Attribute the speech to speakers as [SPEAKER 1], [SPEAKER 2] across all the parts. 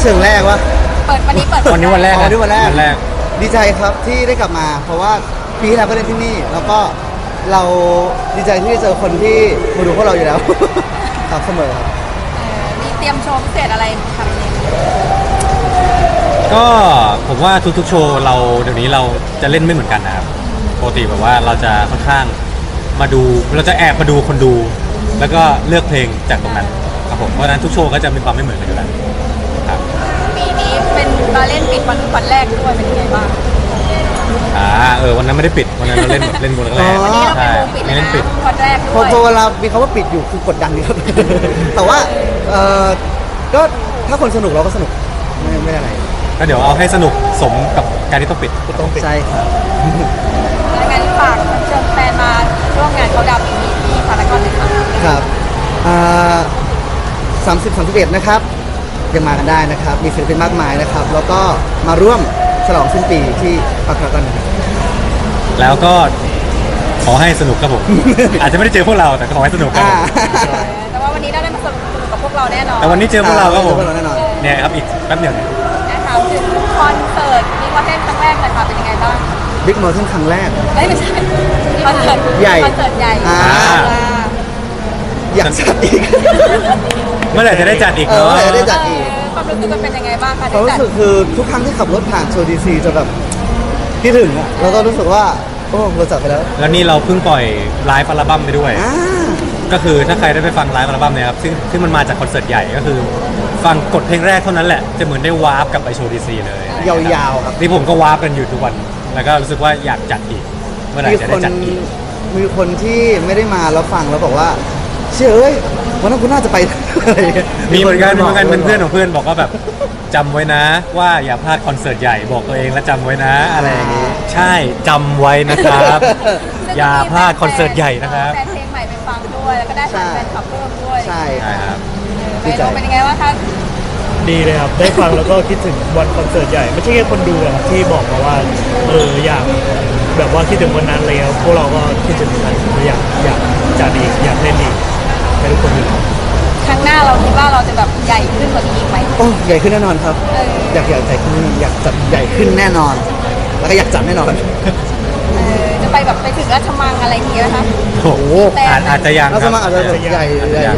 [SPEAKER 1] เชิงแรกวะ
[SPEAKER 2] เปิดวันนี้เปิด
[SPEAKER 3] วันนี้วันแรก
[SPEAKER 1] อ๋อนี่วันแรก
[SPEAKER 3] วันแรก
[SPEAKER 1] ดีใจครับที่ได้กลับมา เพราะว่าปีที่แล้วก็เล่นที่นี่ แล้วก็เราดีใจที่ได้เจอคนที่มาดูพวกเราอยู่แล้ว ครับเสมอครับ
[SPEAKER 2] มีเตรียมโชว์พิเศษอะไรทำเอง
[SPEAKER 3] ก็ผมว่าทุกๆโชว์เราเดี๋ยวนี้เราจะเล่นไม่เหมือนกันนะครับปกติแบบว่าเราจะค่อนข้างมาดูเราจะแอบมาดูคนดู แล้วก็เลือกเพลงจากตรงนั้นครับผมเพราะฉะนั้นทุกโชว์ก็จะมีความไม่เหมือนกันอยู่แล้วครับ
[SPEAKER 2] ปีนี้เป็นมาเล่นปิดวันแรกด้วยเป็นยังไงบ้าง
[SPEAKER 3] วันนั้นไม่ได้ปิดวันนั้นเราเล่นเล่นบนแรก
[SPEAKER 1] อ๋อ
[SPEAKER 2] วันนี้เรา
[SPEAKER 3] ใช่
[SPEAKER 2] เป็นวงปิด
[SPEAKER 3] ไม่
[SPEAKER 2] นะ
[SPEAKER 3] เล่นปิด
[SPEAKER 2] วันแรก
[SPEAKER 1] พ
[SPEAKER 2] ด้
[SPEAKER 1] อ
[SPEAKER 2] วย
[SPEAKER 1] พอเวลามีคำว่าปิดอยู่คือกดดันดีครับ แต่ว่าก็ถ้าคนสนุกเราก็สนุกไม่อะไร
[SPEAKER 3] ก็เดี๋ยวเอาให้สนุกสมกับการที่ต้องปิด
[SPEAKER 1] ใช่ครับ
[SPEAKER 2] แล้วงั้นฝากเชิญแฟนมาร่วมงานเขาดาวปีนี้ที่พารากอนเลยค่ะ
[SPEAKER 1] ครับ30-31นะครับยังมากันได้นะครับ มีศิลปินมากมายนะครับ แล้วก็มาร่วมฉลองสิ้นปีที่พารากอนนะครับ
[SPEAKER 3] แล้วก็ขอให้สนุกครับผม อาจจะไม่ได้เจอพวกเราแต่ก็ขอให้สนุกครับผม
[SPEAKER 2] แต่ว่าวันนี้ได้มาสนุกกับพวกเราแน่นอน
[SPEAKER 3] แต่วันนี้เจอพวกเราครับผม
[SPEAKER 1] เจอพวกเราแน่นอน
[SPEAKER 3] เนี่ยครับอีกแป๊บเดียวเนี่ย
[SPEAKER 2] ถามถึงคอนเสิร์ตมีคอนเทนต์ครั้งแรกเลยค่ะเป็นยังไงบ้าง
[SPEAKER 1] บิ๊กมอลล์ครั้งแรก
[SPEAKER 2] ไม่ใช่คอนเสิร์ต
[SPEAKER 1] ใหญ่
[SPEAKER 2] คอนเสิร์ตใหญ่
[SPEAKER 1] อยากจัดอีก
[SPEAKER 3] เมื่อไหร่จะได้จัดอีก
[SPEAKER 1] เออ
[SPEAKER 3] เนาะ
[SPEAKER 1] เมื่อไหร่จะได้จัด
[SPEAKER 2] ความรู้สึกมันเป็นยังไงบ้างคะ
[SPEAKER 1] ความรู้สึกคือทุกครั้งที่ขับรถผ่านโชว์ดีซีจะแบบคิดถึงอะแล้วก็รู้สึกว่าโอ้เราจัดไปแล้ว
[SPEAKER 3] แล้วนี่เราเพิ่งปล่อยไลฟ์อัลบั้มไปด้วย
[SPEAKER 1] อ่า
[SPEAKER 3] ก็คือถ้าใครได้ไปฟังไลฟ์อัลบั้มเนี่ยครับซึ่งมันมาจากคอนเสิร์ตใหญ่ก็คือ ฟังกดเพลงแรกเท่านั้นแหละจะเหมือนได้วาร์ปกลับไปโชว์ดีซีเลย
[SPEAKER 1] ยาวๆครับ
[SPEAKER 3] นี่ผมก็วาร์ปกันอยู่ทุกวัน แล้วก็รู้สึกว่าอยากจัดอีก เมื่อไหร่จะได้จัดอีก
[SPEAKER 1] มีคนที่ไม่ได้มาแล้วฟังแล้วบอกว่าเชื่อเอ้ยวันนั้นคุณน่าจะไป อะไรอย่างเงี้ย
[SPEAKER 3] มีเหมือนกันเป็นเพื่อนของเพื่อนบอกว่าแบบจำไว้นะ ว่าอย่าพลาดคอนเสิร์ตใหญ่บอกตัวเองและจำไว้นะอะไรอย่างงี้ใช่จำไว้นะครับ อย่าพลาดคอนเสิร์ตใหญ่นะครับ
[SPEAKER 2] แฟนเพลงใหม่ไปฟังด้วยแล้วก็ได้แฟนคลับเพิ่มด้วย
[SPEAKER 1] ใช่
[SPEAKER 3] ใช่ครับ
[SPEAKER 2] ไปดูเป็นยังไงบ้างคะ
[SPEAKER 4] ดีเลยครับ ได้ฟังแล้วก็คิดถึงวันคอนเสิร์ตใหญ่ ไม่ใช่แค่คนดูอะครับที่บอกมาว่าอยากแบบว่าคิดถึงวันนั้นเลยครับพวกเราก็คิดถึงวันนั้นอยากจัดอีกอยากเล่นอีกให้ทุกคนดู
[SPEAKER 2] ครั้งหน้าเราคิดว่าเราจะแบบใหญ่ขึ้นกว่านี้อีกไหม
[SPEAKER 1] โอ้ใหญ่ขึ้นแน่นอนครับ
[SPEAKER 2] เออ
[SPEAKER 1] อยากใหญ่ขึ้นอยากจัดใหญ่ขึ้นแน่นอน แล้วก็อยากจัดแน่นอน
[SPEAKER 2] จะไปแบบไปถึงราชมังอะไรอย่างเงี้ยนะคะ
[SPEAKER 3] โอ้โหอาจจะยัง
[SPEAKER 1] แล้ว
[SPEAKER 3] ค
[SPEAKER 1] ส
[SPEAKER 3] รับ
[SPEAKER 1] มัครอาจจะใหญ่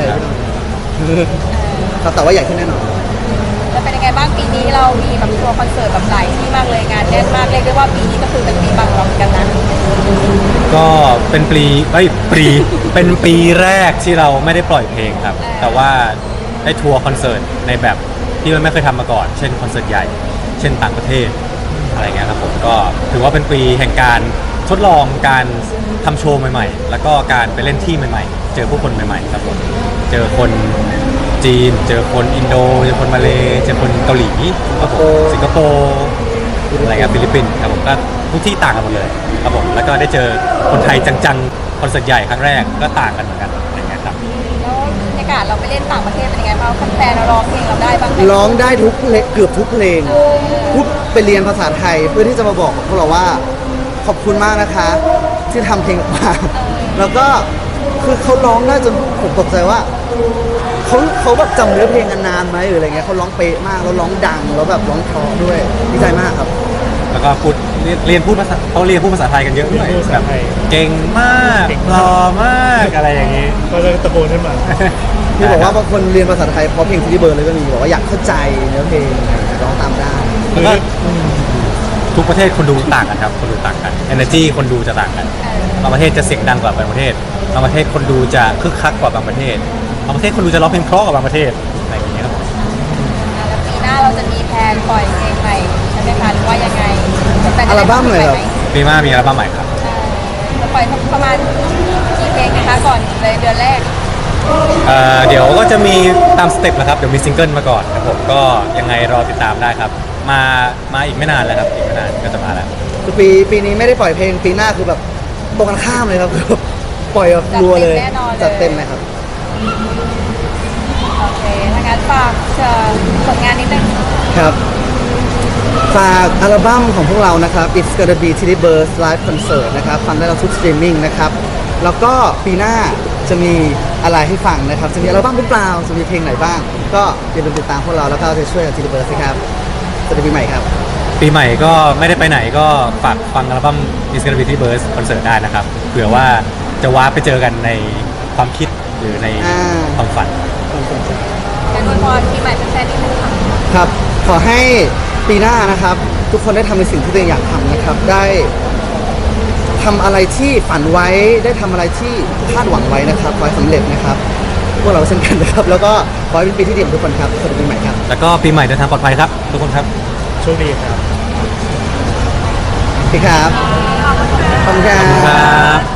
[SPEAKER 1] ครับแต่ว่าใหญ่ขึ้นแน่นอน
[SPEAKER 2] จะเป็นยังไงบ้างปีนี้เรามีแบบทัวร์คอนเสิร์ตแบบหลายที่มากเลยงานแน่นมากเรียกได้ว่าปีนี้ก็คือเป็นปีบังเราเหมือนกันนะ
[SPEAKER 3] ก็เป็นเป็นปีแรกที่เราไม่ได้ปล่อยเพลงครับ แต่ว่าได้ทัวร์คอนเสิร์ตในแบบที่มันไม่เคยทำมาก่อน เช่นคอนเสิร์ตใหญ่ เช่นต่างประเทศอะไรเงี้ยครับผมก็ถือว่าเป็นปีแห่งการทดลองการทำโชว์ใหม่ๆ แล้วก็การไปเล่นที่ใหม่ๆ เจอผู้คนใหม่ๆครับผมเจอคนจีน เจอคนอินโดเจอคนมาเลเจอคนเกาหลีครับผมสิงคโปร์อะไรเงี้ยฟิลิปปินส์ครับผมก็ทุกที่ต่างกันหมดเลยครับผมแล้วก็ได้เจอคนไทยจังๆคอนเสิร์ตใหญ่ครั้งแรกก็ต่างกันเหมือนกันอะไรเงี้ยครับ
[SPEAKER 2] แล้วบรรยากาศเราไปเล่นต่างประเทศเป็นยังไงบ้างแฟนๆเราร้องเพลงเราได้บ้างไหม
[SPEAKER 1] ร้องได้ทุกเพลงเกือบทุกเพลงพูดไปเรียนภาษาไทยเพื่อที่จะมาบอกกับพวกเราว่าขอบคุณมากนะคะ ที่ทำเพลงออกมาแล้วก็คือเขาร้องได้จนผมตกใจว่าเขาแบบจำเนื้อเพลงกันนานไหมหรืออะไรเงี้ยเขาร้องเป๊ะมากแล้วร้องดังแล้วแบบร้องเพราะด้วยดีใจมากครับ
[SPEAKER 3] แล้วก็พูดเรียนพูดภาษาเขาเรียนพูดภาษาไทยกันเยอะด้วย
[SPEAKER 4] เรียนพูดภา
[SPEAKER 3] แบ
[SPEAKER 4] ษา
[SPEAKER 3] บ
[SPEAKER 4] ไทย
[SPEAKER 3] เก่งมากหล่อมากอะไรอย่างนี้
[SPEAKER 4] ก็จะตะโกนขึ้นมา
[SPEAKER 1] ที่บอกว่าบางคนเรียนภาษาไทยเพราะเพลงที่เบิร์ดเลยก็มีบอกว่าอยากเข้าใจเนื้อเพลงร้องตามได้
[SPEAKER 3] แล้วก็ทุกประเทศคนดูต่างกันครับคนดูต่างกัน energy คนดูจะต่างกันบางประเทศจะเสียงดังกว่าบางประเทศบางประเทศคนดูจะคึกคักกว่าบางประเทศบางประเทศคนดูจะร้องเพลงเพราะกว่าบางประเทศอะไรอย่างเงี้ยครับ
[SPEAKER 2] แล้วปีหน้าเราจะมีแพลนปล่อยเพลงใหม่ใช่ไหมคะหรือว่ายังไงแฟนๆ
[SPEAKER 1] อัลบั้มเลยครับ
[SPEAKER 3] ปีหน้ามีอัลบั้มใหม่ครับ
[SPEAKER 2] จะปล่อยประมาณกี่เพลงนะคะก่อนเลยเดือนแรก
[SPEAKER 3] เดี๋ยวก็จะมีตามสเต็ปนะครับเดี๋ยวมีซิงเกิลมาก่อนครับผมก็ยังไงรอติดตามได้ครับมาอีกไม่นานแล้วครับอีกไม่นานก็จะมาแล้ว
[SPEAKER 1] คือปีนี้ไม่ได้ปล่อยเพลงปีหน้าคือแบบตรงกันข้ามเลยครับ ปล่อยแบบรัวเลยจัดเต็มเลยครับ
[SPEAKER 2] โอเคถ้างั้นฝากผลงานนิดนึง
[SPEAKER 1] ครับ ฝากอัลบั้มของพวกเรานะครับ It's Gonna Be Tilly Birds Live Concert นะครับฟังได้เราทุกสตรีมมิ่งนะครับ แล้วก็ปีหน้าจะมีอะไรให้ฟังนะครับจะมีอัลบั้มหรือเปล่าจะมีเพลงไหนบ้าง ก็อย่าลืมติดตามพวกเราแล้วก็จะช่วยกับทีเบิร์ดครับสวัสดีปีใหม่ครับ
[SPEAKER 3] ปีใหม่ก็ไม่ได้ไปไหนก็ฝากฟังอัลบั้ม Is Gonna Be Burst คอนเสิร์ตได้นะครับเผื่อว่าจะว้าร์ปไปเจอกันในความคิดหรือในความฝัน
[SPEAKER 2] การอวยพรปีใหม่เป็นแฟนๆนิดนึงค่ะ
[SPEAKER 1] ครับขอให้ปีหน้านะครับ ทุกคนได้ทำในสิ่งที่ตัวเองอยากทำนะครับ ได้ทำอะไรที่ฝันไว้ได้ทำอะไรที่คาดหวังไว้นะครับขอให้สำเร็จนะครับพวกเราเช่นกันนะครับ แล้วก็ขอให้เป็นปีที่ดีของทุกคนครับสวัสดีปีใหม่ครับ
[SPEAKER 3] แล้วก็ปีใหม่เดินทางปลอดภัยครับ ทุกคนครับ
[SPEAKER 4] โชคดีครับ
[SPEAKER 1] โอเคครับขอบคุณครับ
[SPEAKER 3] ครับ